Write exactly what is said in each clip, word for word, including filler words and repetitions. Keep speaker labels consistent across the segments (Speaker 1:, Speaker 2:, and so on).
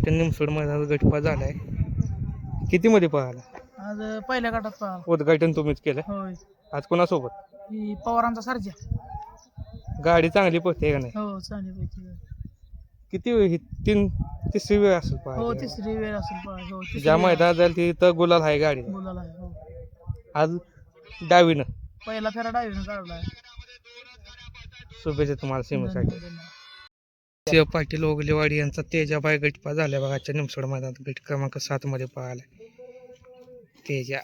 Speaker 1: आजच्या निमसोड मैदानात गटपा झालाय. किती मध्ये पळाला?
Speaker 2: आज पहिल्या गटात पळाला.
Speaker 1: उद्घाटन तुम्हीच केलं.
Speaker 2: होय.
Speaker 1: आज कोणासोबत?
Speaker 2: ही पवारांचा सर्जा.
Speaker 1: गाडी चांगली पळते का नाही?
Speaker 2: हो चांगली पैकी.
Speaker 1: किती वेळ ही तीन तिसरी वेळ असेल
Speaker 2: हो
Speaker 1: पळायची.
Speaker 2: तिसरी वेळ असेल पळायची. हो तिसरी
Speaker 1: ज्या
Speaker 2: वेळ.
Speaker 1: मैदानात जाईल तिथं गुलाल आहे गाडी.
Speaker 2: बोलायला आहे. हो
Speaker 1: आज डावीनं
Speaker 2: पहिला फेरा डावीनं काढलाय.
Speaker 1: शुभेच्छा तुम्हाला सीमेसाठी.
Speaker 2: धन्यवाद.
Speaker 1: शिव पाटील ओगलेवाडी यांचा तेजाबाई गटपा झाल्या बघा. आजच्या निमसोड मैदानात गट क्रमांक सात मध्ये पळाला तेजा.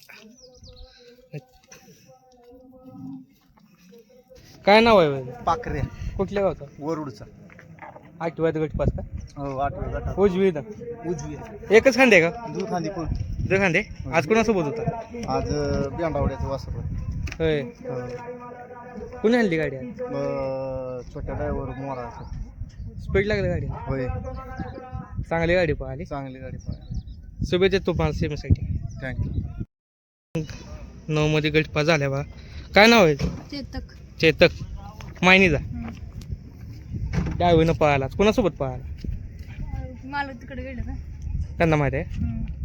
Speaker 1: काय नाव आहे बाई?
Speaker 3: पाखरे
Speaker 1: कुठल्या गावचा?
Speaker 3: वरुडचा.
Speaker 1: आठव्यात गटपास का?
Speaker 3: हो आठव्या गटात.
Speaker 1: उजवी ना
Speaker 3: उजवी
Speaker 1: एकच खांदे का?
Speaker 3: दुखांदी पण.
Speaker 1: दो खांदे. आज कोणासोबत होता?
Speaker 3: आज बेंडावड्याचं वासर.
Speaker 1: होय. कुणी आणली गाडी आज?
Speaker 3: छोट्या ड्रायव्हर मोरा.
Speaker 1: स्पीड लागली गाडी.
Speaker 3: होय
Speaker 1: चांगली गाडी पळाली.
Speaker 3: चांगली गाडी पाहिजे.
Speaker 1: शुभेच्छा तुम्हाला सीमेसाठी.
Speaker 3: थँक्यू.
Speaker 1: नऊ मध्ये गटपा झाल्या बघा. काय नाव आहे?
Speaker 2: चेतक.
Speaker 1: चेतक मायनीचा. डावीनं पळाला. कोणासोबत पळाला?
Speaker 2: मला तिकडे गेलं का?
Speaker 1: त्यांना माहिती आहे.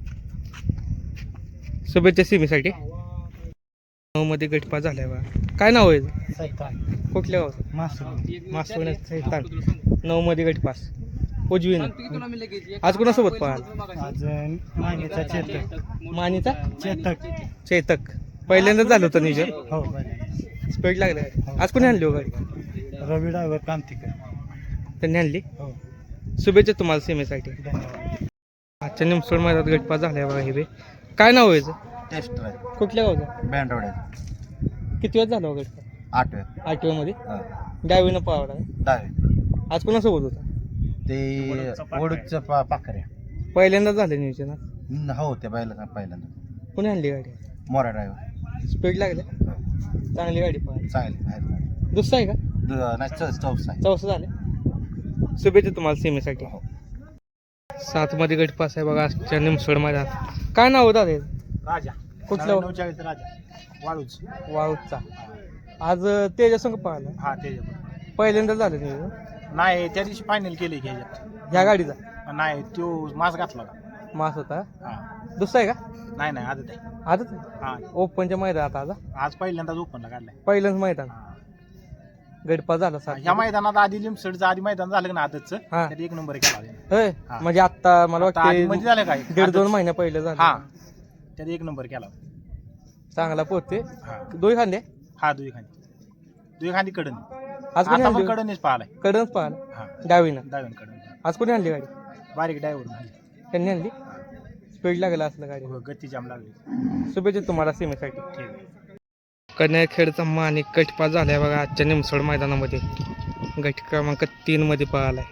Speaker 1: शुभेच्छा सीमेसाठी. नऊ मध्ये गटपा झाल्या बा. काय नाव आहे?
Speaker 3: सैतान.
Speaker 1: कुठल्या गावचं?
Speaker 3: मासूर.
Speaker 1: मासवण्यात सैतान. नऊ मध्ये गटपास उजवीनं. आज कोणासोबत पळाला?
Speaker 3: आज मानेचा चेतक.
Speaker 1: मानीचा
Speaker 3: चेतक.
Speaker 1: चेतक. पहिल्यांदाच झालं होतं नियोजन.
Speaker 3: हो
Speaker 1: स्पीड लागली गाडी. आज कोणी आणली हो गाडी?
Speaker 3: रवी ड्रायव्हर कांतिकर.
Speaker 1: त्यांनी आणली.
Speaker 3: हो
Speaker 1: शुभेच्छा तुम्हाला सीमेसाठी.
Speaker 3: धन्यवाद.
Speaker 1: आजच्या निमसोड मैदानात गटपा झाल्या बघा. हे बे काय नाव आहे?
Speaker 3: Test drive.
Speaker 1: कुठल्या गावचं?
Speaker 3: बेंडावड्याचं.
Speaker 1: किती वेळ झाला हो गटपा?
Speaker 3: आठव्या.
Speaker 1: आठव्या मध्ये डावीनं पळाला.
Speaker 3: दहावे.
Speaker 1: आज कोणासोबत होता?
Speaker 3: ते वडूच्या पा पाखऱ्या.
Speaker 1: पहिल्यांदाच झालं नियोजन आज.
Speaker 3: हो त्या बायला पहिल्यांदा.
Speaker 1: कोणी आणली गाडी?
Speaker 3: मोरा ड्रायव्हर.
Speaker 1: स्पीड लागले. चांगली गाडी पळाली.
Speaker 3: चांगली बाहेर.
Speaker 1: दुसरा आहे का?
Speaker 3: नाही चौ चौसा आहे.
Speaker 1: चौसा झाले. शुभेच्छा तुम्हाला सीमेसाठी. सात मध्ये गटपास आहे बघा आजच्या निमसोड मैदानात. काय नाव होतं दादा?
Speaker 3: राजा.
Speaker 1: कुठलं?
Speaker 3: नऊचाळीस राजा. वाळूच.
Speaker 1: वाळूचा. आज तेजा संघ पळाला.
Speaker 3: हा ते
Speaker 1: पहिल्यांदाच झालं नियोजन
Speaker 3: नाही त्या दिवशी फायनल केले की ह्याच्यात.
Speaker 1: ह्या गाडीचा.
Speaker 3: नाही तो मास घातला होता.
Speaker 1: मास होता.
Speaker 3: हा
Speaker 1: दुसरा आहे का?
Speaker 3: नाही नाही आदत आहे.
Speaker 1: आजच
Speaker 3: हा
Speaker 1: ओपनच्या मैदानात. आज
Speaker 3: आज पहिल्यांदाच ओपनला काढलाय.
Speaker 1: पहिलंच मैदान. गटपा झाला सात.
Speaker 3: ह्या मैदानात आधी लिमसडचं आधी मैदान झालं ना आदतचं
Speaker 1: हा.
Speaker 3: त्यात एक नंबर केला होता.
Speaker 1: होय.
Speaker 3: हा.
Speaker 1: म्हणजे आता मला
Speaker 3: आता आधी
Speaker 1: वाटतं
Speaker 3: मध्ये झालं काय
Speaker 1: दीड दोन
Speaker 3: आदत.
Speaker 1: महिन्या पहिलं
Speaker 3: हा
Speaker 1: झालं.
Speaker 3: त्यात एक नंबर केला होता.
Speaker 1: चांगला पोहते.
Speaker 3: हा
Speaker 1: दोन खांदे.
Speaker 3: हा दुई खांदी दुई खांदी कडन.
Speaker 1: आज कोणी
Speaker 3: आता पण
Speaker 1: आणली?
Speaker 3: कडनच पाहिलाय.
Speaker 1: कडनच पाहिला.
Speaker 3: हा
Speaker 1: डावीनं.
Speaker 3: डावीन कडन.
Speaker 1: आज कोणी आणली गाडी?
Speaker 3: बारीक ड्रायव्हर
Speaker 1: त्यांनी आणली. स्पीड लागला असलं गाडी.
Speaker 3: गती जाम लागली.
Speaker 1: शुभेच्छा तुम्हाला सीमेसाठी.
Speaker 3: ठीक आहे.
Speaker 1: कन्याखेडचा मानिक गटपा झालाय बघा आजच्या निमसोड मैदानामध्ये. गट क्रमांक तीन मध्ये पळालाय.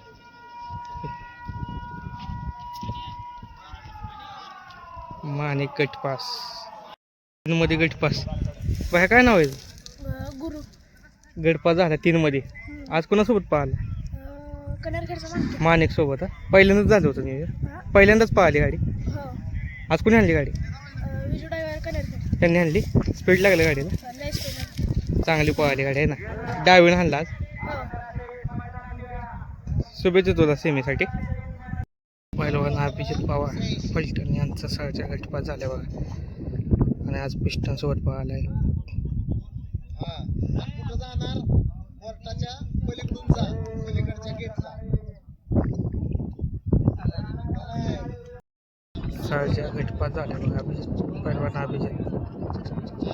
Speaker 1: मानिक गटपास तीन मध्ये गटपास. बाहेर काय नाव आहे?
Speaker 2: गुरु.
Speaker 1: गटपास झाला तीन मध्ये. आज कोणासोबत पळाला?
Speaker 2: कन्याखेडचा.
Speaker 1: मानिक सोबत. पहिल्यांदाच झालं होतं नियोजन. पहिल्यांदाच पळाली गाडी.
Speaker 2: हो
Speaker 1: आज कोणी आणली गाडी?
Speaker 2: विजू ड्रायव्हर कन्याखेड.
Speaker 1: त्यांनी आणली. स्पीड लागली गाडीला. चांगली पळाली गाडी आहे ना. डावीनं आणला आज. शुभेच्छा तुला सेमीसाठी. पहिलवान अभिजित पवार पलटण यांचा सहजा गटपास झाल्या बघा. आणि आज पिस्टन सोबत पळालाय. सहजा गटपास झाल्या बघा अभिजित. पहिलवान अभिजित.